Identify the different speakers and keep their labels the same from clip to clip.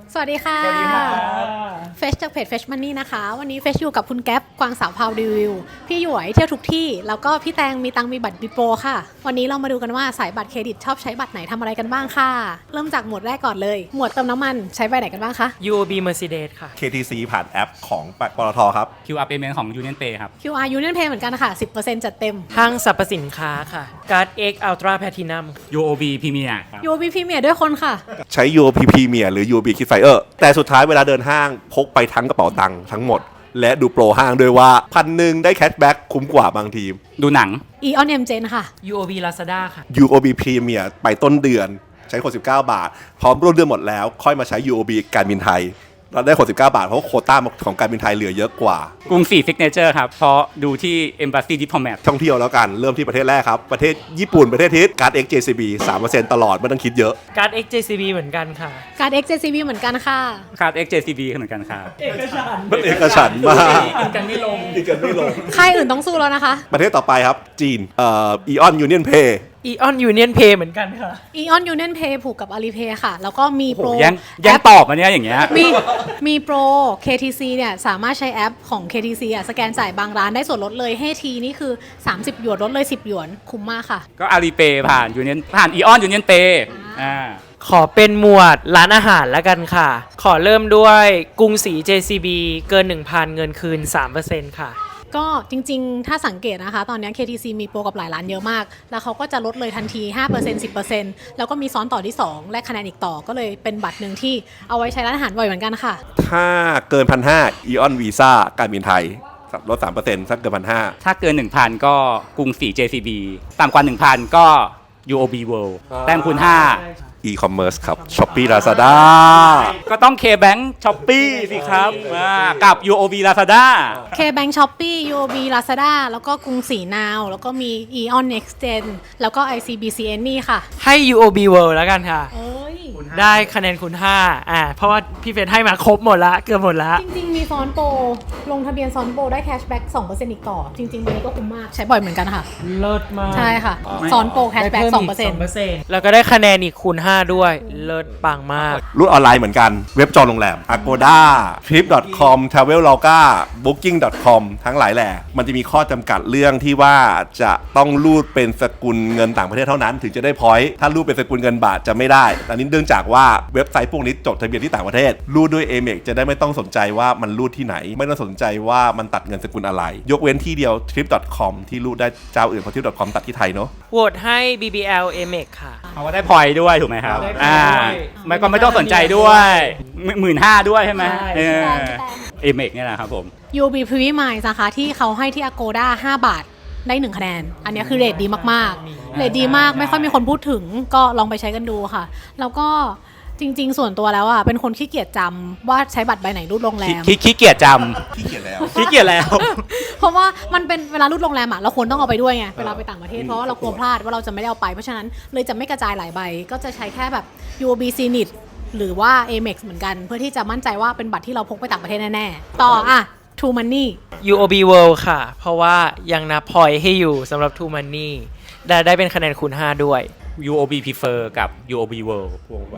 Speaker 1: สวัสดีค่ะ
Speaker 2: สวัสดีค่ะ
Speaker 1: เฟชจากเพจ Fresh Money นะคะวันนี้เฟชอยู่กับคุณแก๊ปกวางสาวพาวรีวิวพี่หยวยเที่ยวทุกที่แล้วก็พี่แตงมีตังมีบัตรบิโปรค่ะวันนี้เรามาดูกันว่าสายบัตรเครดิตชอบใช้บัตรไหนทำอะไรกันบ้างค่ะเริ่มจากหมวดแรกก่อนเลยหมวดเติมน้ำมันใช้ใบไหนกันบ้างคะ
Speaker 2: UOB Mercedes ค่ะ
Speaker 3: KTC ผ่านแอปของปตทครับ
Speaker 4: QR payment ของ Union Pay ครับ
Speaker 1: QR Union Pay เหมือนกันค่ะ 10% จัดเต็ม
Speaker 2: ห้างสรรพสินค้าค่ะ Card X Ultra Platinum
Speaker 4: UOB Premier ครับ
Speaker 1: UOB Premier ด้วยคนค่ะ
Speaker 3: ใช้ UOP Premier หรือ UOB KidFire แต่สุดท้ายเวลาเดินห้างพกไปทั้งกระเป๋าตังค์ทั้งหมด และดูโปรห้างด้วยว่า1,000ได้แคชแบ็กคุ้มกว่าบางทีม
Speaker 4: ดูหนัง
Speaker 1: Eon M Gen ค่ะ
Speaker 2: UOB Lazada ค่ะ
Speaker 3: UOB Premier ไปต้นเดือนใช้คน19 บาท พร้อมร่วมเดือนหมดแล้ว ค่อยมาใช้ UOB การบินไทยเราได้คน19 บาท เพราะโควต้าของการบินไทยเหลือเยอะกว่าก
Speaker 4: รุงศรี Signature ครับ เพราะดูที่ Embassy Diplomat
Speaker 3: ท่องเที่ยวแล้วกันเริ่มที่ประเทศแรกครับ ประเทศญี่ปุ่นประเทศทิศการ์ด XJCB 3% ตลอดไม่ต้องคิดเยอะ
Speaker 2: Card X JCB เหมือนกันค่ะ
Speaker 1: Card X JCB เหมือนกันค่ะ
Speaker 4: Card XJCB เหมือนกันครับ
Speaker 3: มันเอกฉันท์มาก
Speaker 2: กินกันไม่ลง
Speaker 3: อีกกันไม่ลง
Speaker 1: ค่ายอื่นต้องสู้แล้วนะคะ
Speaker 3: ประเทศต่อไปครับจีนEon Union Pay
Speaker 2: Eon Union Pay เหมือนกันค่ะ
Speaker 1: Eon Union Pay ผูกกับ Alipay ค่ะ แล้วก็มี
Speaker 4: โอ้
Speaker 1: โป
Speaker 4: โห
Speaker 1: ร
Speaker 4: แย่งตอบมาเนี่ยอย่างเงี้ย
Speaker 1: มีโปร KTC เนี่ยสามารถใช้แอปของ KTC อ่ะสแกนจ่ายบางร้านได้ส่วนลดเลยให้ทีนี่คือ30 หยวนลดเลย10 หยวนคุ้มมากค่ะ
Speaker 4: ก็ Alipay ผ่าน Eon Union Pay
Speaker 2: ขอเป็นหมวดร้านอาหารแล้วกันค่ะ ขอเริ่มด้วยกรุงศรี JCB เกิน 1,000 เงินคืน 3% ค่ะ
Speaker 1: ก็จริงๆ ถ้าสังเกตนะคะ ตอนนี้ KTC มีโปรกับหลายร้านเยอะมาก แล้วเขาก็จะลดเลยทันที 5% 10% แล้วก็มีซ้อนต่อที่ 2 และคะแนนอีกต่อก็เลยเป็นบัตรหนึ่งที่เอาไว้ใช้ร้านอาหารบ่อยเหมือนกันค่ะ
Speaker 3: ถ้าเกิน 1,500 Eon Visa การบินไทยลด 3% ถ้าเกิน 1,500
Speaker 4: ถ้าเกิน 1,000 ก็กรุงศรี JCB ต่ำกว่า 1,000 ก็ UOB World แต้มคูณ
Speaker 3: e-commerce ครับ Shopee Lazada
Speaker 4: 5 ก็ต้อง KBank Shopee สิครับกับ UOB Lazada
Speaker 1: KBank Shopee UOB Lazada แล้วก็กรุงศรี Now แล้วก็มี Eon Next Gen แล้วก็ ICBC Any ค่ะ
Speaker 2: ให้ UOB World แล้วกันค่ะ
Speaker 1: เอ้ย
Speaker 2: ได้คะแนนคูณ5เพราะว่าพี่เฟรนให้มาครบหมดละเกือบหมดละ
Speaker 1: จริงๆ มีซ้อนโปร ลงทะเบียนซ้อนโปรได้แคชแบ็ก 2% อีกต่อ จริงๆวันนี้ก็คุ้มมาก ใช้บ่อยเหมือนกันค่ะ
Speaker 2: เลิศมาก
Speaker 1: ใช่ค่ะ ซ้อนโปรแคชแบ็ก 2%
Speaker 2: แล้วก็ได้คะแนนอีกคูณ5ด้วย เลิศปังมาก
Speaker 3: รุ่นออนไลน์เหมือนกัน เว็บจองโรงแรม Agoda Trip.com Traveloka Booking.com ทั้งหลายแหล่มันจะมีข้อจำกัดเรื่องที่ว่าจะต้องรูดเป็นสกุลเงินต่างประเทศเท่านั้น ถึงจะได้พอยต์ถ้ารูดเป็นสกุลเงินบาทจะไม่ได้อันนี้เนื่องจากว่าเว็บไซต์พวกนี้จดทะเบียนที่ต่างประเทศรูดด้วย Amex จะได้ไม่ต้องสนใจว่ามันรูดที่ไหน ไม่ต้องสนใจว่ามันตัดเงินสกุลอะไร ยกเว้นที่เดียว Trip.com ที่รูดได้เจ้าอื่นเพราะ Trip.com ตัดที่ไทยเนาะ
Speaker 2: โหวตให้ BBL Amex ค่ะ
Speaker 4: เพราะว่าได้พอยต์ด้วยถูกไหมครับ
Speaker 2: ได้พอยต์ด้วย
Speaker 4: ไม่ก็ไม่ต้องสนใจด้วย15,000ด้วยใช่ไหม
Speaker 2: ใช่
Speaker 4: เอเมกเนี่ยนะครับผม
Speaker 1: UOB Privy Miles นะคะที่เขาให้ที่ Agoda 5 บาทได้ 1 คะแนน อันนี้คือเรทดีมากๆ เรทดีมากไม่ค่อยมีคนพูดถึงก็ลองไปใช้กันดูค่ะ แล้วก็จริงๆ ส่วนตัวแล้วอ่ะเป็นคนขี้เกียจจำว่าใช้บัตรใบไหนรูดโรงแรม
Speaker 4: ขี้เกียจจ
Speaker 3: ขี้เกียจแล้ว
Speaker 4: ำขี้เกียจแล้ว
Speaker 1: เพราะว่ามันเป็นเวลารูดโรงแรมอ่ะเราควรต้องเอาไปด้วยไงเวลาไปต่างประเทศเพราะว่าเรากลัวพลาดว่าเราจะไม่ได้เอาไปเพราะฉะนั้นเลยจะไม่กระจายหลายใบก็จะใช้แค่แบบ UOB Zenith หรือว่า Amex เหมือนกัน เพื่อที่จะมั่นใจว่าเป็นบัตรที่เราพกไปต่างประเทศแน่ๆต่ออ่ะ True Money
Speaker 2: UOB World ค่ะ เพราะว่ายังนับพอยต์ให้อยู่สำหรับ True Money ได้เป็นคะแนนคูณ5ด้วย
Speaker 4: UOB Prefer กับ UOB World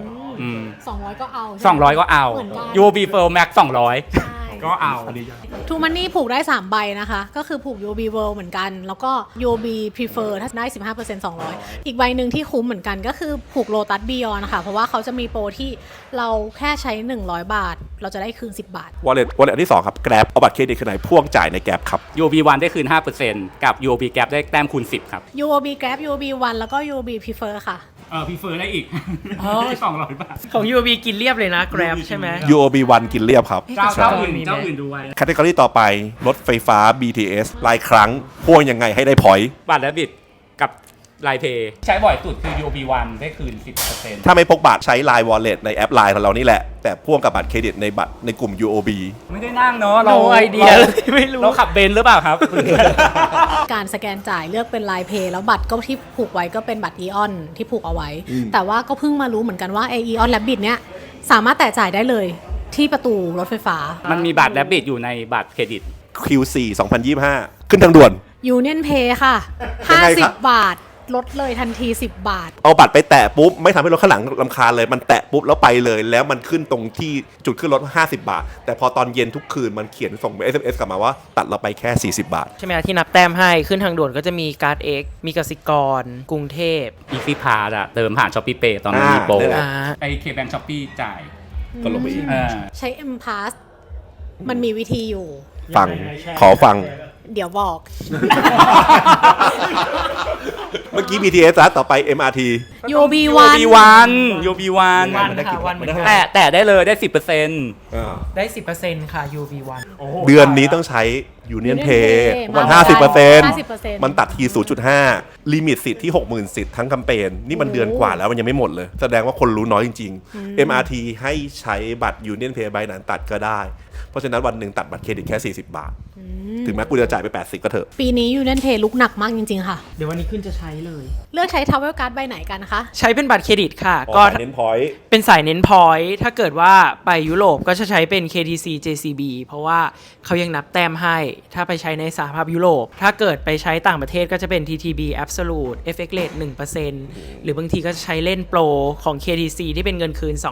Speaker 1: 200 ก็เอา
Speaker 4: 200 ก็เอา
Speaker 1: เหมือนกัน
Speaker 4: UOB Prefer Max 200
Speaker 1: ใช่
Speaker 4: ก็เอา
Speaker 1: True Money ผูกได้ 3 ใบนะคะ ก็คือผูก UOB World เหมือนกัน แล้วก็ UOB Prefer ถ้าได้ 15% 200 อีกใบหนึ่งที่คุ้มเหมือนกันก็คือผูก Lotus Beyond นะคะ เพราะว่าเขาจะมีโปรที่เราแค่ใช้ 100 บาท เราจะได้คืน 10 บาท
Speaker 3: Wallet อันที่ 2 ครับ Grab เอาบัตรเครดิตขนาดพ่วงจ่ายใน Grab ครับ
Speaker 4: UOB One ได้คืน 5% กับ UOB Gap ได้แต้มคูณ 10 ครับ
Speaker 1: UOB Grab UOB One แล้วก็ UOB Prefer ค่ะ
Speaker 4: Prefer ได้อีก
Speaker 2: อ๋อ
Speaker 4: 200 บาท
Speaker 2: ของ UOB กินเรียบเลยนะ Grab ใช่ไหม
Speaker 3: UOB One กินเรียบครับ
Speaker 4: เจ้าอื่นดูไว้
Speaker 3: แคตตากรีต่อไป รถไฟฟ้า BTS รายครั้งพ่วงยังไงให้ได้พอยต์
Speaker 4: บัตรและบิดกับไลน์เพย์ใช้บ่อยสุดคือ UOB One ได้คืน 10%
Speaker 3: ถ้าไม่พกบัตรใช้ Line Wallet ในแอป Line ของเรานี่แหละ แต่พ่วงกับบัตรเครดิตในบัตรในกลุ่ม UOB
Speaker 4: ไม่ได้นั่งเนาะ
Speaker 2: No idea เลยไม่รู้
Speaker 4: เราขับเบนซ์หรือเปล่าครับ
Speaker 1: การสแกนจ่ายเลือกเป็น Line Pay แล้วบัตรก็ที่ผูกไว้ก็เป็นบัตร Eon ที่ผูกเอาไว้ แต่ว่าก็เพิ่งมารู้เหมือนกันว่า Eon Rabbit เนี้ยสามารถแตะจ่ายได้เลยที่ประตูรถไฟฟ้า
Speaker 4: มันมีบัตรและบิดอยู่ในบัตรเครดิต
Speaker 3: Q4 2025 ขึ้นทางด่วน
Speaker 1: Union Pay ค่ะ
Speaker 3: ยังไงครับ
Speaker 1: 50 บาทลดเลยทันที 10 บาท
Speaker 3: เอาบัตรไปแตะปุ๊บไม่ทำให้รถข้างหลังรำคาญเลยมันแตะปุ๊บแล้วไปเลย แล้วมันขึ้นตรงที่จุดขึ้นรถ50 บาท แต่พอตอนเย็นทุกคืนมันเขียนส่ง SMS กลับมาว่าตัดเราไปแค่40 บาท
Speaker 2: ใช่ไหมคะที่นับแต้มให้ขึ้นทางด่วนก็จะมีการ์ด X มีกสิกรกรุงเทพ
Speaker 4: Easy Pass อะเติมผ่าน Shopee Pay ตอนนั้นมีโปร
Speaker 3: ได้แหละ
Speaker 4: ไอ้ KBank Shopee จ่าย
Speaker 3: ก็ลงไปอีก
Speaker 1: ใช้ M Pass มันมีวิธีอยู่
Speaker 3: ฟังขอฟัง
Speaker 1: เดี๋ยวบอก
Speaker 3: เมื่อกี้ BTS แล้วต่อไป MRT
Speaker 1: UOB
Speaker 4: UOB1 UOB1
Speaker 2: วันค่ะวันเหมือนกัน
Speaker 4: แต่ได้เลยได้ 10%
Speaker 2: ได้ 10%ค่ะ UV1
Speaker 3: เดือนนี้ต้องใช้ Union Pay
Speaker 1: Pay
Speaker 3: มัน
Speaker 1: มา
Speaker 3: 50%มันตัดที 0.5 ลิมิตสิทธิ์ที่ 60,000 สิทธิ์ทั้งแคมเปญนี่มันเดือนกว่าแล้วมันยังไม่หมดเลย แสดงว่าคนรู้น้อยจริงๆ MRT ให้ใช้บัตร Union Pay ใบนั้นตัดก็ได้ เพราะฉะนั้นวันหนึ่งตัดบัตรเครดิตแค่40 บาท ถึงแม้กูจะจ่ายไป80ก็เถอะ
Speaker 1: ปีนี้ Union Pay ลุกหนักมากจริงๆค่ะ
Speaker 2: เดี๋ยววันนี้ขึ้นจะใช้เลย
Speaker 1: เลือกใช้ Travel Card ใบไหนกันนะคะ
Speaker 2: ใช้เป็นบัตรเครดิตค่ะ
Speaker 3: ก็
Speaker 2: ก็
Speaker 3: เน้นพอยต์
Speaker 2: เป็นสายเน้นพอยต์ถ้าเกิดว่าไปยุโรปก็จะใช้เป็น KTC JCB เพราะว่าเขายังนับแต้มให้ ถ้าไปใช้ในสหภาพยุโรป ถ้าเกิดไปใช้ต่างประเทศก็จะเป็น TTB Absolute FX Rate 1% หรือบางทีก็จะใช้เล่นโปรของ KTC ที่เป็นเงินคืน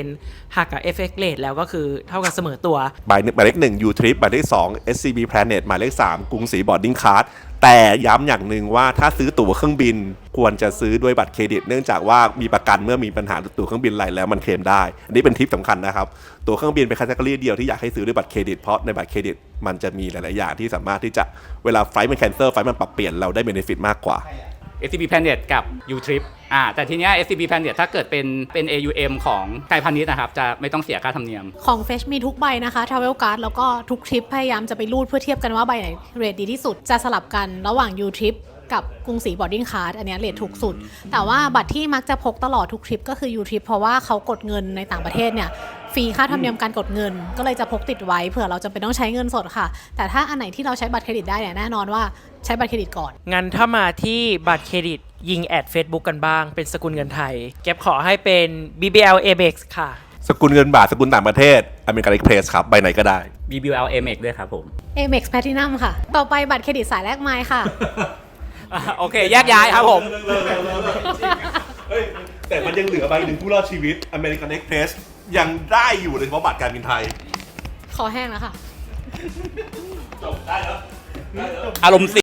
Speaker 2: 2% หักกับ FX Rate แล้วก็คือเท่ากับเสมอตัว
Speaker 3: หมายเลข1 U-Trip หมายเลข2 SCB Planet หมายเลข3กรุงศรีบอร์ดดิ้งคาร์ดแต่ย้ำอย่างหนึ่งว่าถ้าซื้อตั๋วเครื่องบินควรจะซื้อด้วยบัตรเครดิตเนื่องจากว่ามีประกันเมื่อมีปัญหาตั๋วเครื่องบินอะไรแล้วมันเคลมได้ อันนี้เป็นทิปสำคัญนะครับตั๋วเครื่องบินเป็นแคตตาล็อกเดียวที่อยากให้ซื้อด้วยบัตรเครดิตเพราะในบัตรเครดิตมันจะมีหลายๆอย่างที่สามารถที่จะเวลาไฟล์มันแคนเซิลไฟล์มันปรับเปลี่ยนเราได้เบเนฟิตมากกว่า
Speaker 4: SCB Planet กับ U-Trip แต่ทีเนี้ย SCB Planet ถ้าเกิดเป็น AUM ของไทยพาณิชย์นะครับจะไม่ต้องเสียค่าธรรมเนียม
Speaker 1: ของ Fetch มีทุกใบนะคะ Travel Card แล้วก็ทุกทริปพยายามจะไปรูดเพื่อเทียบกันว่าใบไหนเรทดีที่สุด จะสลับกันระหว่าง U-Trip กับกรุงศรีบอร์ดดิ้งคาร์ดอันเนี้ยเรทถูกสุด แต่ว่าบัตรที่มักจะพกตลอดทุกทริปก็คือ U-Trip เพราะว่าเขากดเงินในต่างประเทศเนี่ยฟรีค่าธรรมเนียมการกดเงิน ก็เลยจะพกติดไว้เผื่อเราจะเป็นต้องใช้เงินสดค่ะ แต่ถ้าอันไหนที่เราใช้บัตรเครดิตได้เนี่ยแน่นอนว่าใช้บัตรเครดิตก่อน
Speaker 2: งั้นถ้ามาที่บัตรเครดิตยิงแอด Facebook กันบ้างเป็นสกุลเงินไทย เก็บขอให้เป็น BBL Amex ค่ะ
Speaker 3: สกุลเงินบาทสกุลต่างประเทศ American Express ครับใบไหนก็ได้
Speaker 4: BBL Amex ด้วยครับผม
Speaker 1: Amex Platinum ค่ะ ต่อไปบัตรเครดิตสายแลกไมล์ค่ะ
Speaker 4: โอเค แยกย้ายครับผม
Speaker 3: แต่มันยังเหลือใบหนึ่งผู้รอดชีวิต American Express ยังได้อยู่เลยเฉพาะบัตรการบินไทย
Speaker 1: ขอแห้งแล้วค่ะ
Speaker 3: จบได้แล้ว
Speaker 4: อารมณ์